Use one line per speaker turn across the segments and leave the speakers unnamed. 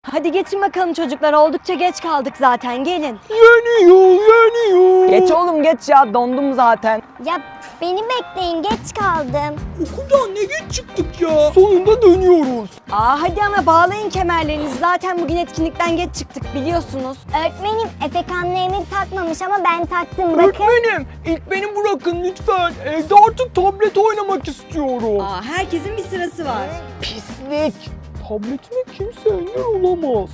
Hadi geçin bakalım çocuklar, oldukça geç kaldık zaten, gelin.
Yeni yol.
Geç oğlum geç ya, dondum zaten.
Ya beni bekleyin, geç kaldım.
Okuldan ne geç çıktık ya. Sonunda dönüyoruz.
Hadi ama bağlayın kemerlerinizi, zaten bugün etkinlikten geç çıktık biliyorsunuz.
Öğretmenim Efekan'la Emir takmamış ama ben taktım bakın.
Öğretmenim ilk beni bırakın lütfen. Evde artık tablet oynamak istiyorum.
Herkesin bir sırası var.
Pislik. Tabletime kimse engel olamaz.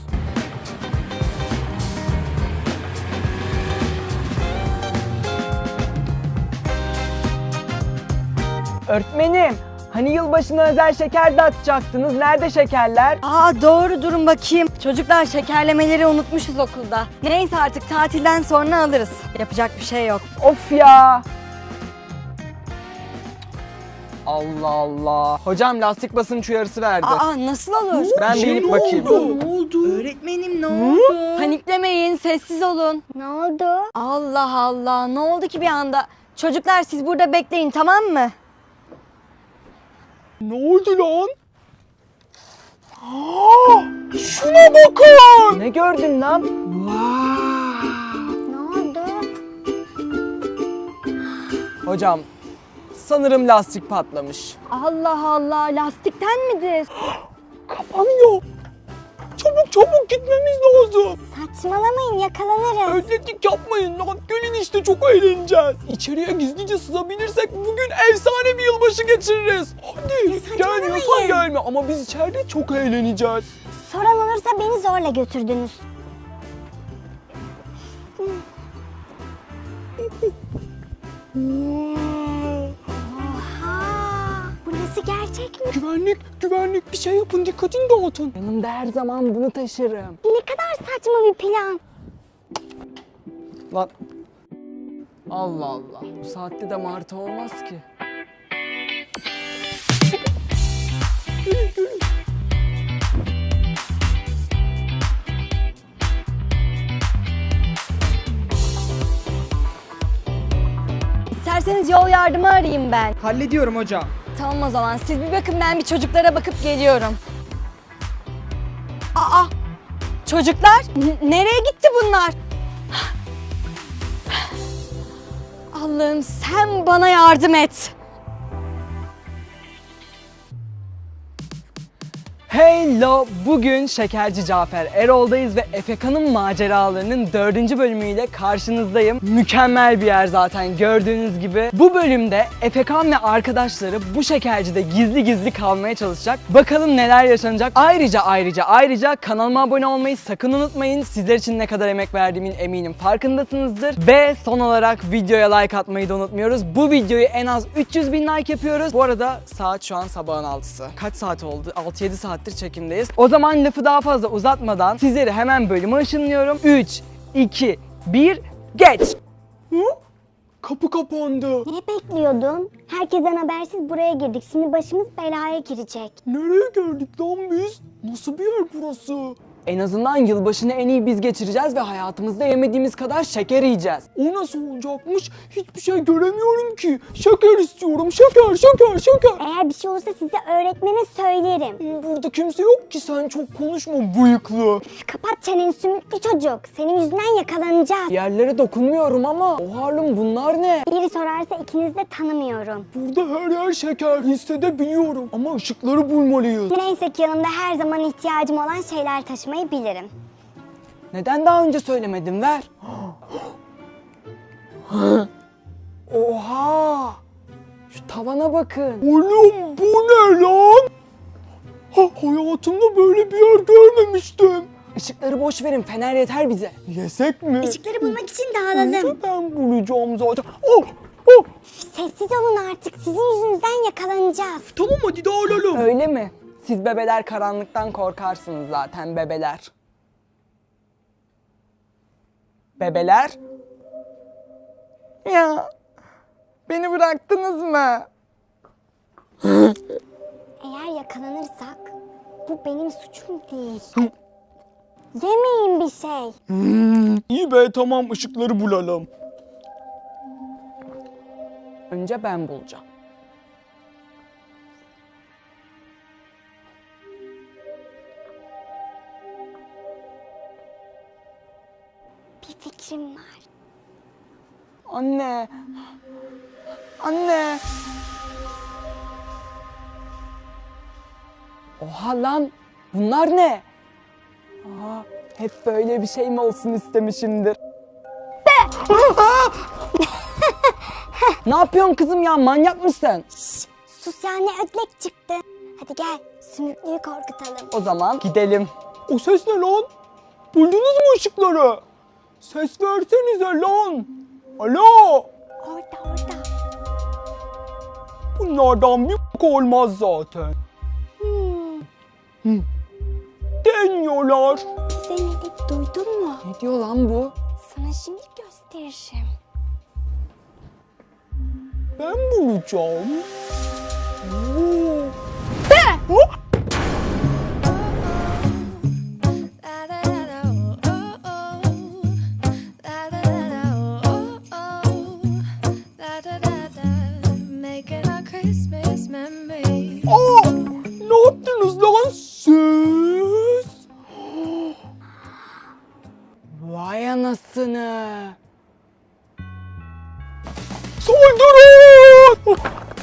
Öğretmenim, hani yılbaşına özel şeker dağıtacaktınız, nerede şekerler?
Doğru, durun bakayım. Çocuklar, şekerlemeleri unutmuşuz okulda. Neyse artık tatilden sonra alırız. Yapacak bir şey yok.
Of ya! Allah Allah. Hocam lastik basınç uyarısı verdi.
Nasıl olur?
Ben bir inip bakayım.
Ne oldu?
Öğretmenim ne oldu? Paniklemeyin, sessiz olun.
Ne oldu?
Allah Allah, ne oldu ki bir anda? Çocuklar siz burada bekleyin, tamam mı?
Ne oldu lan? Şuna bakın.
Ne gördün lan?
Ne oldu?
Hocam, sanırım lastik patlamış.
Allah Allah, lastikten midir?
Kapanıyor. Çabuk gitmemiz lazım.
Saçmalamayın, yakalanırız.
Ödleklik yapmayın lan. Gelin işte, çok eğleneceğiz. İçeriye gizlice sızabilirsek bugün efsane bir yılbaşı geçiririz. Hadi gelmiyorsan gelme ama biz içeride çok eğleneceğiz.
Soran olursa beni zorla götürdünüz. Oha! Burası gerçek mi?
Güvenlik bir şey yapın, dikkatini dağıtın.
Yanımda her zaman bunu taşırım.
Ne kadar saçma bir plan.
Lan. Allah Allah. Bu saatte de martı olmaz ki.
İsterseniz yol yardımı arayayım ben.
Hallediyorum hocam.
Tamam o zaman, siz bir bakın, ben bir çocuklara bakıp geliyorum. Çocuklar, nereye gitti bunlar? Allah'ım sen bana yardım et.
Hello! Bugün Şekerci Cafer Erol'dayız ve Efekan'ın maceralarının 4. bölümüyle karşınızdayım. Mükemmel bir yer zaten gördüğünüz gibi. Bu bölümde Efekan ve arkadaşları bu şekercide gizli kalmaya çalışacak. Bakalım neler yaşanacak. Ayrıca kanalıma abone olmayı sakın unutmayın. Sizler için ne kadar emek verdiğimin eminim farkındasınızdır. Ve son olarak videoya like atmayı da unutmuyoruz. Bu videoyu en az 300.000 like yapıyoruz. Bu arada saat şu an sabahın 6'sı. Kaç saat oldu? 6-7 saattir çekimdeyiz. O zaman lafı daha fazla uzatmadan sizleri hemen bölüme ışınlıyorum. 3, 2, 1, geç!
Kapı kapandı.
Ne bekliyordun? Herkesten habersiz buraya girdik. Şimdi başımız belaya girecek.
Nereye geldik lan biz? Nasıl bir yer burası?
En azından yılbaşını en iyi biz geçireceğiz ve hayatımızda yemediğimiz kadar şeker yiyeceğiz.
O nasıl olacakmış? Hiçbir şey göremiyorum ki. Şeker istiyorum. Şeker.
Eğer bir şey olursa size öğretmene söylerim.
Burada kimse yok ki, sen çok konuşma bıyıklı.
Kapat çeneni sümüklü çocuk. Senin yüzünden yakalanacağız.
Yerlere dokunmuyorum ama o Harlem bunlar ne?
Biri sorarsa ikinizi de tanımıyorum.
Burada her yer şeker, hissedebiliyorum. Ama ışıkları bulmalıyız.
Neyse ki yanımda her zaman ihtiyacım olan şeyler taşımayı bilirim.
Neden daha önce söylemedin, ver. Oha! Şu tavana bakın.
Oğlum bu ne lan? Hayatımda böyle bir yer görmemiştim.
Işıkları boş verin, fener yeter bize.
Yesek mi?
Işıkları bulmak için dağılalım.
Önce ben bulacağım zaten.
Sessiz olun artık. Sizin yüzünüzden yakalanacağız.
Tamam hadi dağılalım.
Öyle mi? Siz bebeler karanlıktan korkarsınız zaten, bebeler. Bebeler? Ya, beni bıraktınız mı?
Eğer yakalanırsak bu benim suçum değil. Yemeyin bir şey.
İyi be, tamam, ışıkları bulalım.
Önce ben bulacağım.
fikrim var.
Anne. Anne. Oha lan. Bunlar ne? Aa, hep böyle bir şey mi olsun istemişimdir. Ne yapıyorsun kızım ya? Manyak mısın?
Sus ya, ne ödlek çıktı. Hadi gel sümüklüyü korkutalım.
O zaman gidelim.
O ses ne lan? Buldunuz mu ışıkları? Ses versenize lan. Alo.
Orada.
Bunlardan bir olmaz zaten. Deniyorlar.
Bize ne dedi duydun mu?
Ne diyor lan bu?
Sana şimdi gösteririm.
Ben bulacağım. Oo. Aa, ne yaptınız lan siz?
Vay anasını.
Saldırın!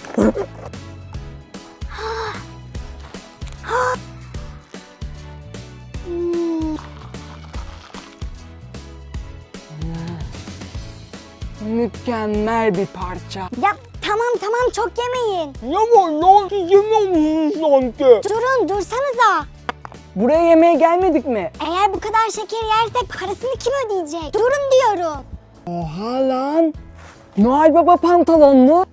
Mükemmel bir parça.
Ya tamam çok yemeyin.
Ne var lan? Siz yemiyor musunuz sanki?
Dursanıza.
Buraya yemeğe gelmedik mi?
Eğer bu kadar şeker yersek parasını kim ödeyecek? Durun diyorum.
Oha lan. Noel Baba pantolonlu.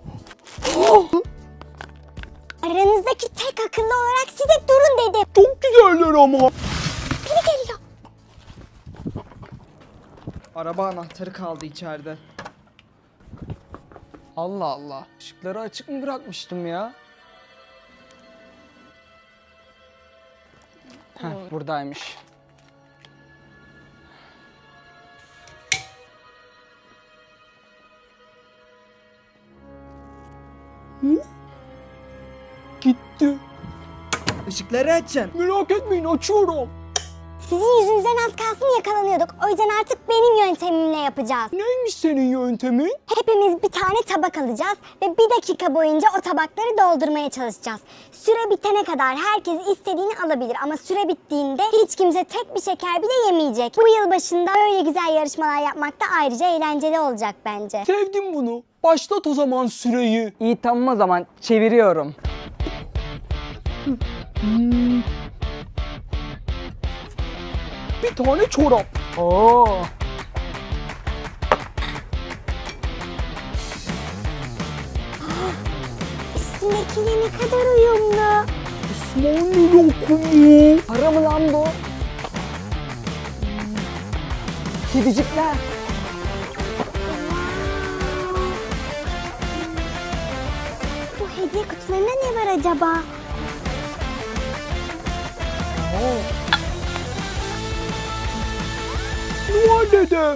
Aranızdaki tek akıllı olarak size durun dedim.
Çok güzeller ama.
Biri geliyor.
Araba anahtarı kaldı içeride. Allah Allah. Işıkları açık mı bırakmıştım ya? Heh, buradaymış.
Gitti.
Işıkları açın.
Merak etmeyin, açıyorum.
Sizin yüzünüzden az kalsın yakalanıyorduk. O yüzden artık benim yöntemimle yapacağız.
Neymiş senin yöntemin?
Hepimiz bir tane tabak alacağız ve 1 dakika boyunca o tabakları doldurmaya çalışacağız. Süre bitene kadar herkes istediğini alabilir ama süre bittiğinde hiç kimse tek bir şeker bile yemeyecek. Bu yıl başında böyle güzel yarışmalar yapmak da ayrıca eğlenceli olacak bence.
Sevdim bunu. Başlat o zaman süreyi.
İyi tamam o zaman çeviriyorum.
Bir tane çorap.
Oo.
Üstündekiyle ne kadar uyumlu.
Osmanlı lokumu.
Para mı lan bu? Kedicikler.
Bu hediye kutularında ne var acaba?
Noel Dede.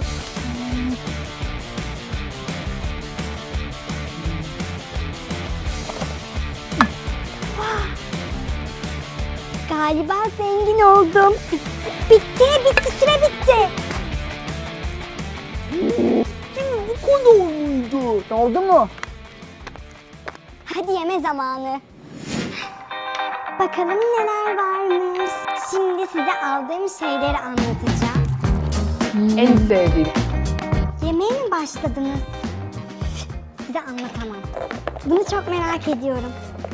Galiba zengin oldum. Bitti, süre bitti.
Bu kadar mıydı?
Oldu mu?
Hadi yeme zamanı. Bakalım neler varmış. Şimdi size aldığım şeyleri anlatacağım.
En sevdiğim.
Yemeğe mi başladınız? Size anlatamam. Bunu çok merak ediyorum.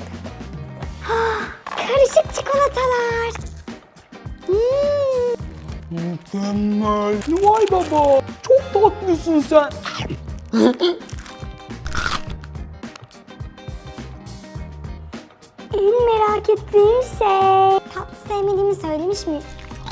Karışık çikolatalar.
Mükemmel. Noel Baba. Çok tatlısın sen.
En merak ettiğim şey. Tatlı sevmediğimi söylemiş miyim?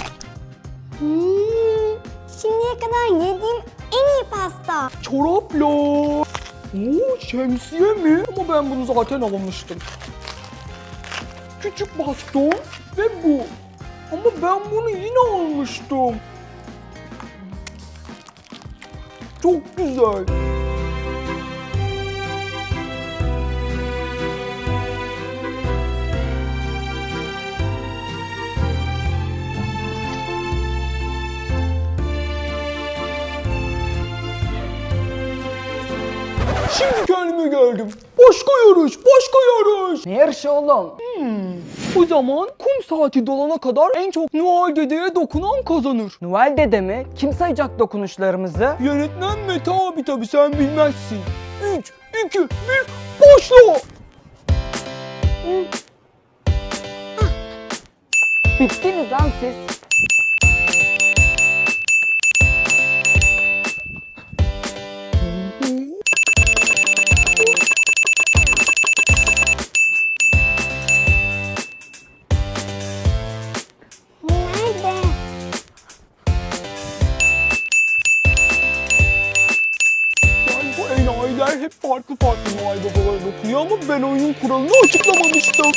Şimdiye kadar yediğim en iyi pasta.
Çorapla. Oo, şemsiye mi? Ama ben bunu zaten almıştım. Küçük baston ve bu. Ama ben bunu yine almıştım. Çok güzel. Şimdi kendimi gördüm. Başka yarış.
Ne yarışı oğlum?
O zaman kum saati dolana kadar en çok Noel Dede'ye dokunan kazanır.
Noel Dede mi? Kim sayacak dokunuşlarımızı?
Yönetmen Mete abi tabi sen bilmezsin. 3, 2, 1, başla.
Bittiniz lan siz.
Nerede?
Yani bu enayiler hep farklı Noel babaları dokunuyor ama ben oyunun kuralını açıklamamıştım.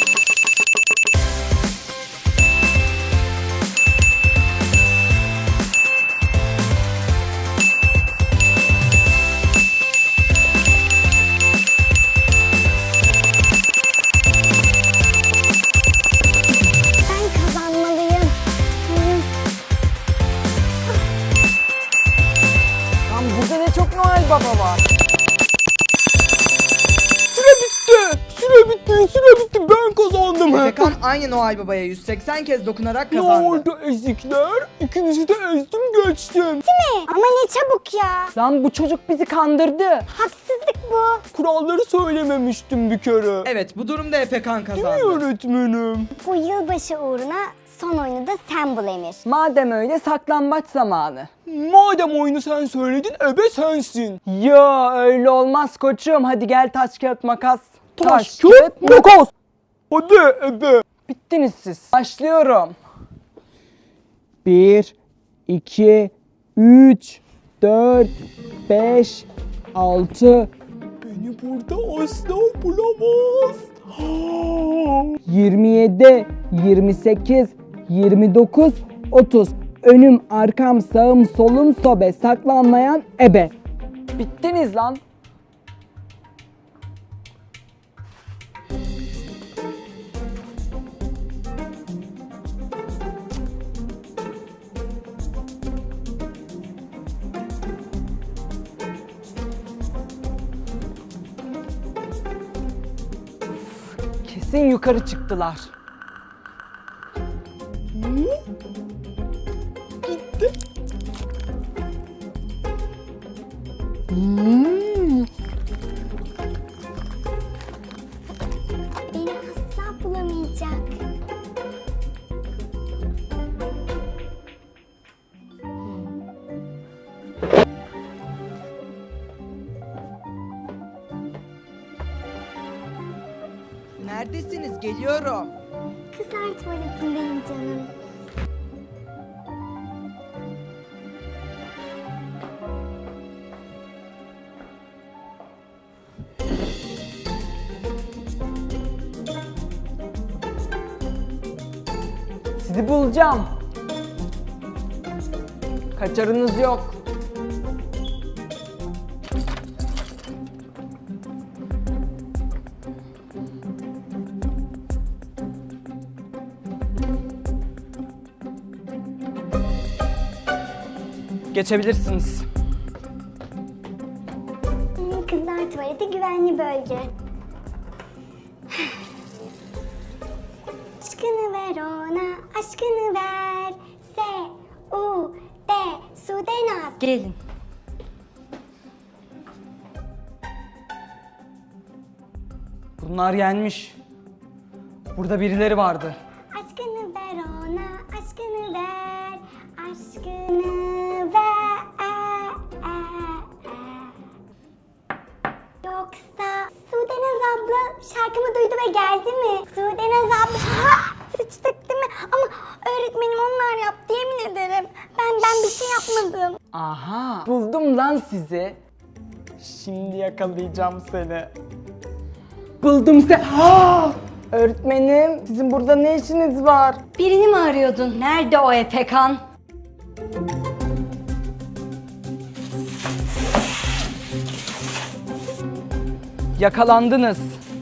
Ben kazanmalıyım.
Lan burada ne çok Noel Baba var.
Süre bitti. Ben kazandım.
Efekan aynı Noel Baba'ya 180 kez dokunarak
Ne
kazandı.
oldu ezikler? İkinizi de ezdim geçtim.
Ama ne çabuk ya.
Lan bu çocuk bizi kandırdı.
Haksızlık bu.
Kuralları söylememiştim bir kere.
Evet, bu durumda Efekan
Değil mi öğretmenim?
Bu yılbaşı uğruna son oyunu da sen bul Emir.
Madem öyle saklambaç zamanı.
Madem oyunu sen söyledin ebe sensin.
Yo öyle olmaz koçum. Hadi gel taş kağıt makas.
Taş, kağıt, makas. Hadi ebe.
Bittiniz siz. Başlıyorum. 1, 2, 3, 4, 5, 6,
Beni burada asla bulamaz.
27, 28, 29, 30. Önüm, arkam, sağım, solum, sobe. Saklanmayan ebe. Bittiniz lan. Kesin yukarı çıktılar.
Gitti.
Beni asla bulamayacak.
Neredesiniz? Geliyorum.
Kızlar tuvaletindeyim canım.
Sizi bulacağım. Kaçarınız yok. Geçebilirsiniz.
Kızlar tuvaleti güvenli bölge. Aşkını ver ona, aşkını ver. S-U-D, Sudenaz.
Gelin.
Bunlar yenmiş. Burada birileri vardı.
Aşkını ver ona, aşkını ver. Aşkını ver. Yoksa Sudenaz abla şarkımı duydu ve geldi mi? Sudenaz abla. Ha! Sıçtık değil mi? Ama öğretmenim onlar yaptı yemin ederim. Ben bir şey yapmadım.
Aha. Buldum lan sizi. Şimdi yakalayacağım seni. Buldum seni. Ha! Öğretmenim, sizin burada ne işiniz var?
Birini mi arıyordun? Nerede o Efekan?
Yakalandınız.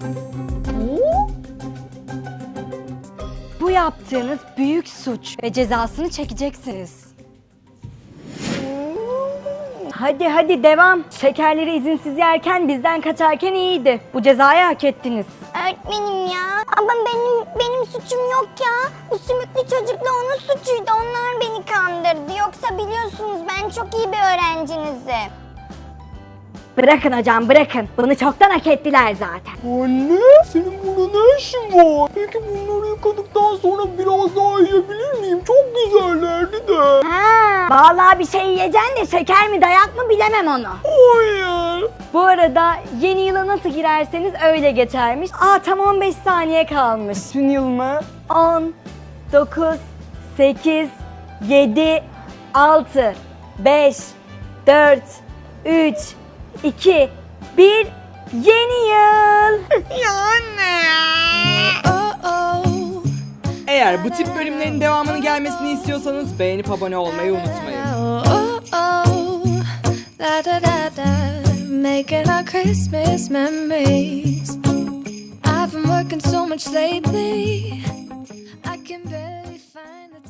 Bu yaptığınız büyük suç ve cezasını çekeceksiniz. Hadi devam. Şekerleri izinsiz yerken bizden kaçarken iyiydi. Bu cezayı hak ettiniz.
Öğretmenim ya. Ama benim suçum yok ya. Bu sümüklü çocukla onun suçuydu. Onlar beni kandırdı. Yoksa biliyorsunuz ben çok iyi bir öğrencinizim.
Bırakın hocam bırakın. Bunu çoktan hak ettiler zaten.
Anne, senin burada ne işin var? Peki bunları yıkadıktan sonra biraz daha yiyebilir miyim? Çok güzellerdi de.
Ha, vallahi bir şey yiyeceksin de şeker mi dayak mı bilemem onu.
Hayır.
Bu arada yeni yıla nasıl girerseniz öyle geçermiş. Tam 15 saniye kalmış.
Bütün yıl mı?
10, 9, 8, 7, 6, 5, 4, 3, 2, 1, yeni yıl.
Eğer bu tip bölümlerin devamını gelmesini istiyorsanız beğenip abone olmayı unutmayın.
Da da da da, making our Christmas memories. I've been working so much lately, I can barely find the time.